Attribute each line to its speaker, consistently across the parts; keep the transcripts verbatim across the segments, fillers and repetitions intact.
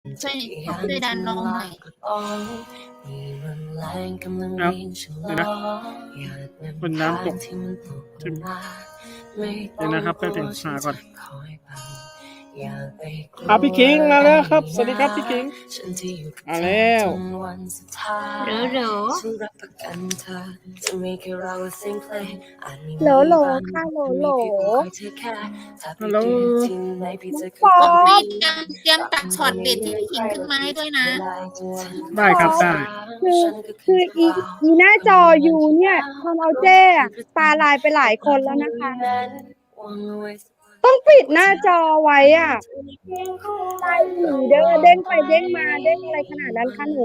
Speaker 1: ช่วยช่วยดันน้องหน่อย
Speaker 2: ครับเดี๋ยวนะบนน้ำตกเดี๋ยวนะครับแป๊บนึงหาก่อนอ่ะพี่คิงมาแล้วครับสวัสดีครับพี่คิงมาแล้ว
Speaker 1: หรือหรือ
Speaker 3: โหลโหลค่ะโหลโหล
Speaker 2: ฮัลโหล
Speaker 3: ฟอ
Speaker 1: ก็พี่
Speaker 3: ม
Speaker 1: เตรียมเตรียมตัดช็อตเด็ดที่พี่ขิงขึ้นมาให้ด้วยนะ
Speaker 2: ได้ครับได้
Speaker 3: คือคืออีอีหน้าจออยู่เนี่ยทำเอาเจ้อะตาลายไปหลายคนแล้วนะคะ ต้องปิดหน้าจอไว้อ่ะไล่หนีเด้อเด้งไปเด้งมาเด้งอะไรขนาดนั้นคะหนู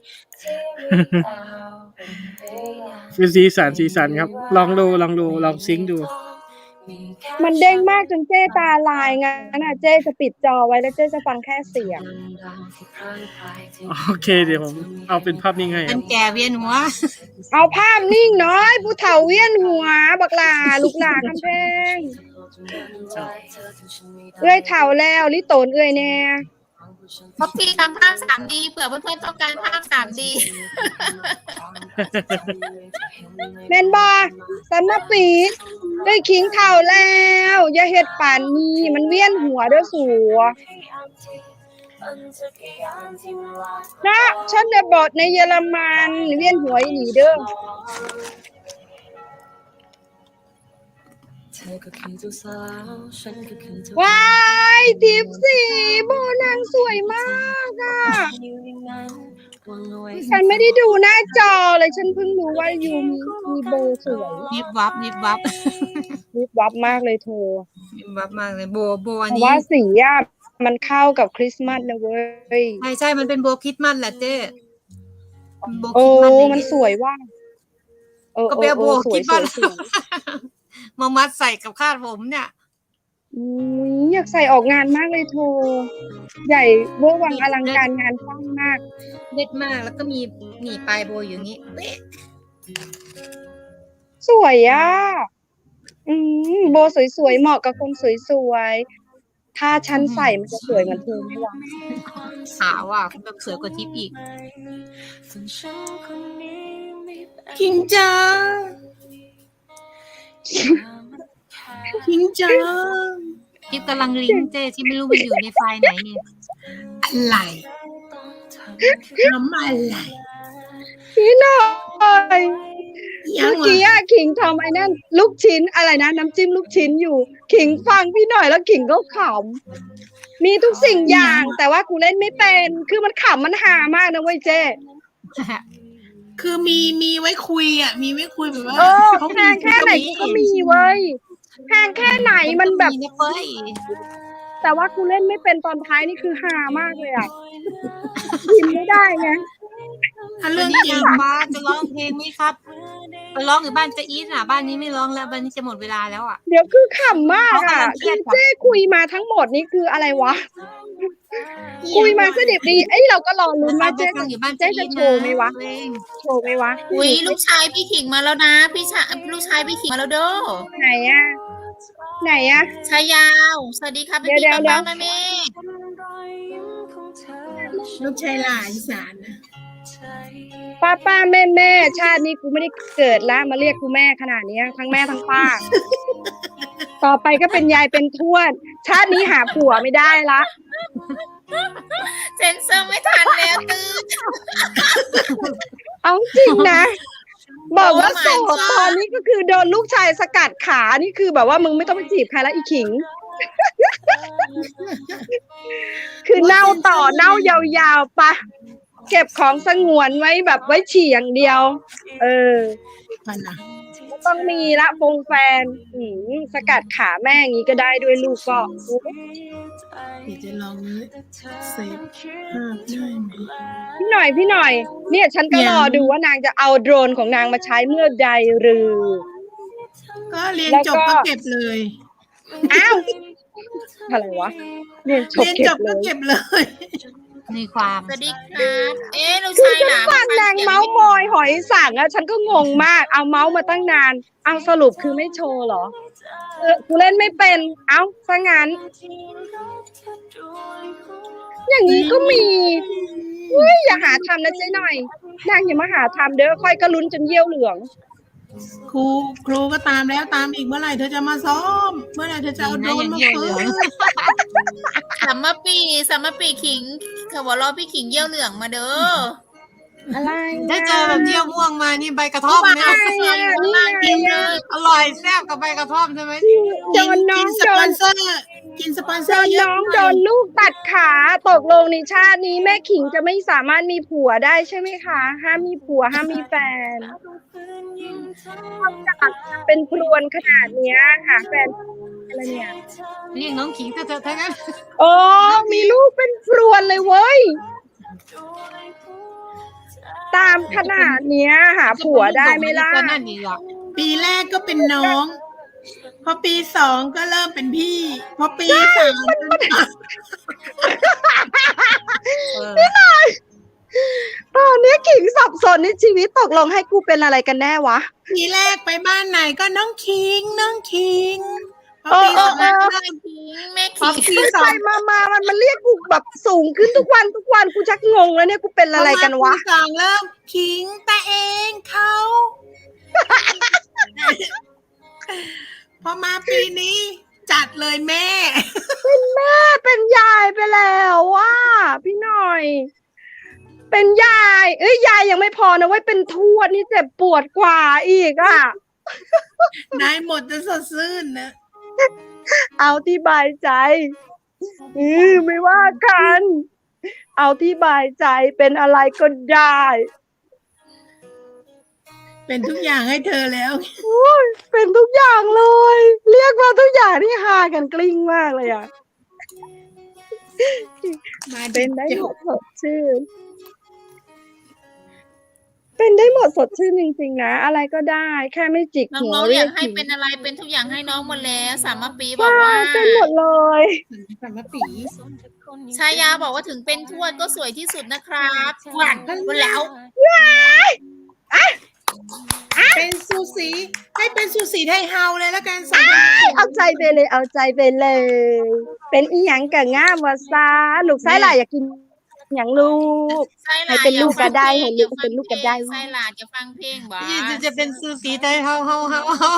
Speaker 2: เป็นสีสันสีสันครับ ลองดูลองดูลองซิงค์ดู
Speaker 3: มันเด้งมากจนเจ้ตาลายงั้นอ่ะเจ้จะปิดจอไว้แล้วเจ้จะฟังแค่เสียง
Speaker 2: โอเคเดี๋ยวผมเอาเป็นภาพนิ่งให้ค
Speaker 1: มั
Speaker 2: รั
Speaker 1: น
Speaker 2: บ
Speaker 1: แก่เวียนหัว
Speaker 3: เอาภาพนิ่งน้อยผู้เฒ่าเวียนหัวบักหลาลูกหลาคำแพงเอื้อยเฒ่าแล้วลิโตนเอื้อยแน่
Speaker 1: เพราะพี่ทำภาพ สามดี เผื่อเพื่อนๆต้องการภาพ สามดี
Speaker 3: แม่นบ่สันมาปีได้ขิงเฒ่าแล้วอย่าเฮ็ดป่านนี้มันเวียนหัวเด้อสัวนะฉันได้บทในเยอรมันเวียนหัวอีหลีเด้อว้ายทิปสีโบนางสวยมากอ่ะฉันไม่ได้ดูหน้าจอเลยฉันเพิ่งรู้ว่ายูมีมีโบสวย
Speaker 1: นิบวับนิบวับ
Speaker 3: วิบวับมากเลยเธอ
Speaker 1: นิบวับมากเลยโบโบอัน
Speaker 3: เพราะ
Speaker 1: นี้
Speaker 3: ว่าสีอ่ะมันเข้ากับคริสต์มาสนะเว้ย
Speaker 1: ใช่ใช่มันเป็นโบคริสต์มาสแหละเจ้โบค
Speaker 3: โอ้
Speaker 1: ริสต์มาสเลย
Speaker 3: มันสวยว่ะเออ
Speaker 1: ก็
Speaker 3: เอ
Speaker 1: ไป
Speaker 3: อ
Speaker 1: เอา
Speaker 3: เอ
Speaker 1: โบ
Speaker 3: อส
Speaker 1: ค
Speaker 3: วย
Speaker 1: ริสต์
Speaker 3: ส
Speaker 1: มา
Speaker 3: วย
Speaker 1: ส
Speaker 3: สวย
Speaker 1: มามัดใส่กับคาดผมเนี่ย
Speaker 3: อุ้ยอยากใส่ออกงานมากเลยเธอใหญ่เวอร์วังอลังการงานสร้างมาก
Speaker 1: เด็ดมากแล้วก็มีหนีปลายโบอยู่อย่างนี้เป๊ะ
Speaker 3: สวยอ่ะอืมโบสวยๆเหมาะกับคนสวยๆถ้าฉันใส่มันจะสวยเหมือนเธอไหมวะ
Speaker 1: ขาวอ่ะแบบสวยกว่าทิปอีก
Speaker 4: คิงจ้าคิงจ้า
Speaker 1: ทิปกำลังลิงก์เจ้ที่ไม่รู้มันอยู่ในไฟล์ไหนเนี่ย
Speaker 4: อะไรทำอะไร
Speaker 3: พี่หน่อย
Speaker 4: ยั
Speaker 3: เมื่
Speaker 4: ง
Speaker 3: อ
Speaker 4: วะ
Speaker 3: กี้อะขิงทำไอ้นั่นลูกชิ้นอะไรนะน้ำจิ้มลูกชิ้นอยู่ขิงฟังพี่หน่อยแล้วขิงก็ขำมีทุกสิ่งอย่าง แต่ว่ากูเล่นไม่เป็นคือมันขำมันหามากนะเว้ยเจ้
Speaker 4: คือมีมีไว้คุยอ่ะ มีไว้คุยแบบว่า
Speaker 3: เออ
Speaker 4: เขา
Speaker 3: แพงแค่ไหนกูก็มีเว้ยแพงแค่ไหนมันแบบ
Speaker 1: นะเฟ้ย
Speaker 3: แต่ว่ากูเล่นไม่เป็นตอนท้ายนี่คือฮามากเลยอ่ะพิมพ์ไม่ได้ไง
Speaker 4: ถ้า
Speaker 1: วั
Speaker 4: เรื่
Speaker 1: น
Speaker 4: อง
Speaker 1: นี้
Speaker 4: จริ
Speaker 1: อง ยากมาจะร้องเพลงไหมครับไปร้องอยู่บ้านเจะอีทอ่ะบ้านนี้ไม่ร้องแล้วบ้านนี้จะหมดเวลาแล้วอ่ะ
Speaker 3: เดี๋ยวคือขำมากอ่ะ
Speaker 1: เขากำลังเครี
Speaker 3: คื
Speaker 1: ย
Speaker 3: อ
Speaker 1: ด
Speaker 3: เจ้คุยมาทั้งหมดนี่คืออะไรวะ คุยมาสดิบดีเอ้ยเราก็รอลุ้นว่า
Speaker 1: ไป
Speaker 3: เจ๊
Speaker 1: ฟั
Speaker 3: จะ
Speaker 1: งอยู่บ้าน
Speaker 3: เจ๊
Speaker 1: เจะอี
Speaker 3: จะ
Speaker 1: ท
Speaker 3: โช
Speaker 1: นะ
Speaker 3: ว์ไหมวะ
Speaker 1: เพลง
Speaker 3: โชว์ไหมวะ
Speaker 1: อุ้ยลูกชายพี่ขิงมาแล้วนะ พี่ชายลูกชายพี่ขิงมาแล้วเด้อ
Speaker 3: ไหนอ่ะไหนอ่ะ
Speaker 1: ชายยาวสวัสดีครับพี่
Speaker 3: เดี๋ยว
Speaker 1: พี่
Speaker 3: เดี๋ยว
Speaker 1: ป้าป้าแม่แม่
Speaker 4: ลูกชายหลานอีสานนะ
Speaker 3: ป้าป้าแม่แม่ชาตินี้กูไม่ได้เกิดแล้วมาเรียกกูแม่ขนาดเนี้ยทั้งแม่ทั้งป้า ต่อไปก็เป็นยายเป็นทวด ชาตินี้หาผัวไม่ได้ละ
Speaker 1: เซนเซอร์ไม่ทันแล้วตื้อ
Speaker 3: เอาจริงนะ บอกว่า
Speaker 1: Oh my
Speaker 3: โสด
Speaker 1: God
Speaker 3: ตอนนี้ก็คือโดนลูกชายสกัดขานี่คือแบบว่ามึงไม่ต้องไปจีบใครแล้วอีขิง คือเน่าต่อเน่ายาวๆปะเก็บของสงวนไว้แบบไว้ฉี่อย่างเดียว เออ
Speaker 4: มันนะ
Speaker 3: ก็ต้องมีละฟงแฟนอืมสกัดขาแม่อย่างนี้ก็ได้ด้วยลูกก็
Speaker 4: เดี๋ยวจะลองเซฟภาพได้ไหม
Speaker 3: พี่หน่อยพี่หน่อย เนี่ยฉันก็รอดูว่านางจะเอาโดรนของนางมาใช้เมื่อใดหรือ
Speaker 4: ก็เรียน
Speaker 3: แล้ว
Speaker 4: จ
Speaker 3: ก็
Speaker 4: บก็เก็บเลย
Speaker 3: อ้าวอะไรวะเรียนจบ
Speaker 4: เรียน
Speaker 3: เก็
Speaker 4: จ
Speaker 3: บบ เล
Speaker 4: ก็
Speaker 3: ย
Speaker 4: เก็บเลย
Speaker 1: มีความสวัสดีครับเอ๊ะลูก
Speaker 3: คือ
Speaker 1: ชาย
Speaker 3: ฉั
Speaker 1: ห
Speaker 3: น
Speaker 1: ลาน
Speaker 3: ฟังนางเมาส์มอยหอยสังอะฉันก็งงมาก เอาเมาส์มาตั้งนาน เอาสรุปคือไม่โชว์เหรอเออกูเล่นไม่เป็น เอ้าซะงั้นอย่างนี้ก็มีเฮ้ยอย่าหาทำนะเจ๊หน่อยนางอย่ามาหาทำเด้อค่อยก็ลุ้นจนเยี่ยวเหลือง
Speaker 4: ครูครูก็ตามแล้วตามอีกเมื่อไหร่เธอจะมาซ้อม เมื่อไหร่เธอจะเอาโดรนมาฝึก
Speaker 5: สัมมาปีสัมมาปีขิงเขาบอกรอพี่ขิงเยี่ยวเหลืองมาเด้อ
Speaker 3: อะไร
Speaker 1: ได้เจอแบบเยี่ยวม่วงมานี่ใบกระท่อมเนี่ย
Speaker 3: อะไรอ่ะนี่ไงอ่ะ
Speaker 1: อร่อยแซ่บกับใบกระท่อมใช่ไหม
Speaker 3: โดนน้อง
Speaker 4: กินส
Speaker 3: โด
Speaker 4: ปอน นเซอร์กินสปอนเซ
Speaker 3: โด
Speaker 4: อร์
Speaker 3: น
Speaker 4: เยอะ
Speaker 3: น้องโดนลูกตัดขาตกลงในชาตินี้แม่ขิงจะไม่สามารถมีผัวได้ใช่ไหมคะห้ามมีผัวห้ามมีแฟนเป็นพรวนขนาดเนี้ยหาแฟนอะไรเนี่ย
Speaker 1: เรียกน้องขิงเถอะเถอะทั้งนั้น
Speaker 3: โอ้มีลูกเป็นพรวนเลยเว้ยตามขนาดเนี้ยหาผัวได้ไหมล่ะ
Speaker 1: ก็นั่นอีกอ่ะ
Speaker 4: ปีแรกก็เป็นน้อง พอปีสองก็เริ่มเป็นพี่ พอปีสาม
Speaker 1: เออ
Speaker 3: ตอนนี้ขิงสับสนในชีวิตตกลงให้กูเป็นอะไรกันแน่วะ
Speaker 4: ปีแรกไปบ้านไหนก็น้องคิงน้องคิงพอ
Speaker 3: เออ
Speaker 4: ปี
Speaker 3: เอ
Speaker 4: สอ
Speaker 3: อง เออ
Speaker 5: แม่ขิงแม่
Speaker 4: พอ
Speaker 5: ขิง
Speaker 4: ปี
Speaker 3: ไป
Speaker 4: สอ
Speaker 3: ไป
Speaker 4: ง
Speaker 3: มามามันมันเรียกกูแบบสูงขึ้นทุกวันทุกวันกูชักงงแล้วเนี่ยกูเป็นอะไรกันวะ
Speaker 4: พอมาปีสองเริ่มคิงแต่เองเขา พอมาปีนี้ จัดเลยแม่
Speaker 3: เป็นแม่เป็นยายไปแล้วว่าพี่หน่อย เป็นยาย เอ้ยยายยังไม่พอนะเว้ยเป็นทวดนี่เจ็บปวดกว่าอีกอ่ะ
Speaker 4: นายหมดจะสดชื่นนะ
Speaker 3: เอาที่บายใจอือไม่ว่ากัน เอาที่บายใจเป็นอะไรก็ได้
Speaker 4: เป็นทุกอย่างให้เธอแล้ว
Speaker 3: เป็นทุกอย่างเลย เรียกมาทุกอย่างที่ฮากันกลิ้งมากเลยอ่ะ
Speaker 4: มา
Speaker 3: เป็นได้หมดสดชื่น เป็นได้หมดสดชื่นจริงๆนะ อะไรก็ได้ แค่ไม่จิก
Speaker 5: น้
Speaker 3: หัว
Speaker 5: องๆ
Speaker 3: เรี
Speaker 5: อย ยาก
Speaker 3: ก
Speaker 5: ให้
Speaker 3: ขิง
Speaker 5: เป็นอะไรเป็นทุกอย่างให้น้องหมดแล้วสามมาปีบอก
Speaker 3: ใช่
Speaker 5: ว่า
Speaker 3: เป็นหมดเลย
Speaker 4: สามปี
Speaker 5: ชายาบอกว่าถึงเป็นทวดก็สวยที่สุดนะครับหวานหมดแล้ว
Speaker 4: เป็นซูสีให้เป็นซูสีไทยเฮาเลยแล้วกันสาม
Speaker 3: เอาใจไปเลย เอาใจไปเลย เป็นอีหยังกะง่ามวาซาลูกไส้หลายอยากกินหยังลูก
Speaker 5: ไส้หลา
Speaker 3: ให้เป็นลูกก็ได้
Speaker 5: อย่า
Speaker 3: ให้ลูก
Speaker 5: ฟัง
Speaker 3: เป็นลูกก็ได้
Speaker 5: ไส้หลาจะฟังเพลงบ้า
Speaker 1: นี่จะจะเป็นซูสีไทยเฮาเฮาเฮาเฮา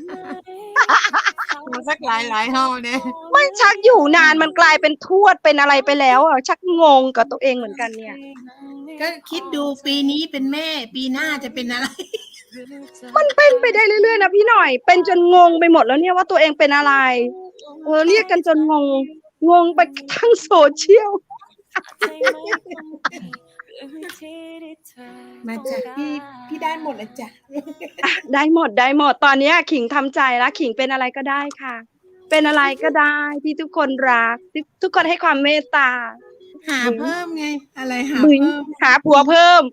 Speaker 1: สักหลายหลายเฮาเนี่ย
Speaker 3: ไม่ชักอยู่นานมันกลายเป็นทวดเป็นอะไรไปแล้วอ่ะชักงงกับตัวเองเหมือนกันเนี่ย
Speaker 4: ก็คิดดูปีนี้เป็นแม่ ปีหน้าจะเป็นอะไร
Speaker 3: มันเป็นไปได้เรื่อยๆนะพี่หน่อย เป็นจนงงไปหมดแล้วเนี่ยว่าตัวเองเป็นอะไร เออเรียกกันจนงง งงไปทั้งโซเชียล
Speaker 4: มาจากพี่พี่ได้หมดแล้วจ้ะ
Speaker 3: ได้หมดได้หมดตอนเนี้ยขิงทำใจแล้วขิงเป็นอะไรก็ได้ค่ะ เป็นอะไรก็ได้ที่ทุกคนรักที่ทุกคนให้ความเมตตา
Speaker 4: หาเพิ่มไง อะไรหา
Speaker 3: บึง
Speaker 4: เพิ่ม
Speaker 3: หาผัวเพิ่ม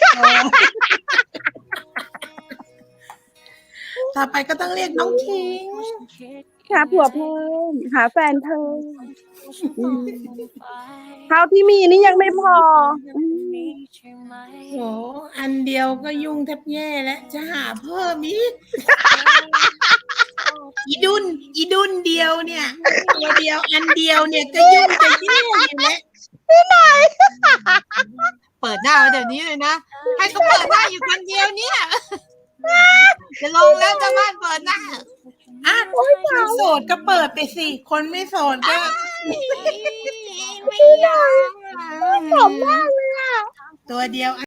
Speaker 4: ต่อไปก็ต้องเรียกน้องคิง
Speaker 3: หาผัวเพิ่ม หาแฟนเพิ่มอืมเท่าที่มีนี่ยังไม่พออืม
Speaker 4: โหอันเดียวก็ยุ่งแทบแย่แล้วจะหาเพิ่มอีก อีดุนอีดุนเดียวเนี่ยตัวเดียวอันเดียวเนี่ยก็ยุ่งจะแย่อยู่แล้ว
Speaker 1: เปิดหน้าไว้เดี๋ยวนี้เลยนะให้เขาเปิดหน้าอยู่คนเดียวเนี่ยจะลงแล้วจะบ้านเปิดหน้า
Speaker 4: อ่ะคนโสดก็เปิดไปสิ คนไม่โสดก็
Speaker 1: ไม่ยอม
Speaker 3: ขำมากเลยอ่ะ
Speaker 4: ตัวเดียว